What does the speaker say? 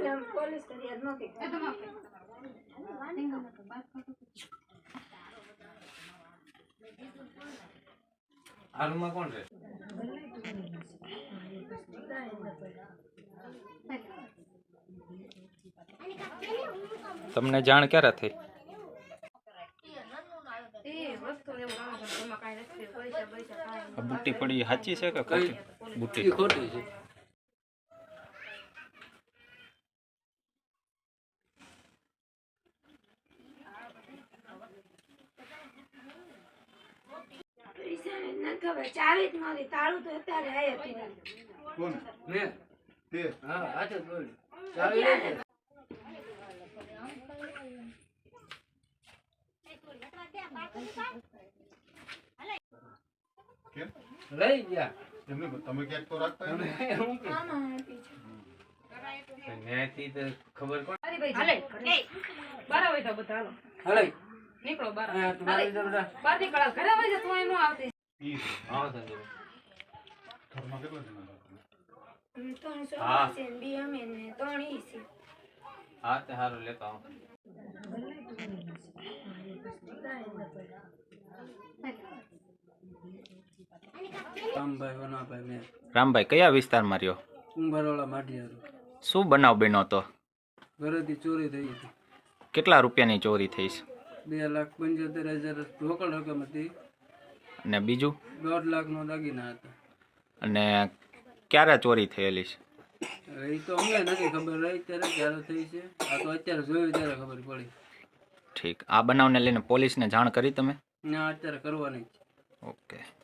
Police ફરિયાદ નહોતી હાલમાં કોણ રહે? તમને જાણ ક્યારે થઈ? બુટ્ટી પડી સાચી છે કે ખોટી? બુટ્ટી ખોટી છે. ખબર ચાવી જ નહોતી તાળું તો અત્યારે આયા કોણ મેં તે હા હાથે બોલ ચાવી લઈ જા. કેમ લઈ ગયા એમને તમે ક્યાંક તો રાખતા તમે હોય હું કે ન્યાયથી તો ખબર કોણ હાલે બાર વાગે તો બધા હાલો હલે નીકળો બાર આ તમારી બધા બાર નીકળો ઘરે વાગે તો અહીં નો આવતી ઈ હા સંજય ઘરમાં કેટલા જણા હતા? 300 હા. છે ને બી અમે ને 3 ઈ છે હા તે હારું લેતો આવો. રામભાઈ વનાભાઈ મેં રામભાઈ કયા વિસ્તારમાં રહ્યો? કુંભારવાળા માઢિયારું. શું બનાવ બન્યો તો? ઘરેથી ચોરી થઈ હતી. કેટલા રૂપિયાની ચોરી થઈ છે? 2,75,000 રોકડ રકમ હતી. અને બીજું? 1.5 લાખનો દાગીના હતા. અને ક્યારે ચોરી થયેલી છે? એ તો અમને નથી ખબર રહી ત્યારે ક્યારે થઈ છે. આ તો અત્યારે જોયું ત્યારે ખબર પડી. ઠીક. આ બનાવને લઈને પોલીસને જાણ કરી તમે? ના અત્યારે કરવાની જ છે. ઓકે.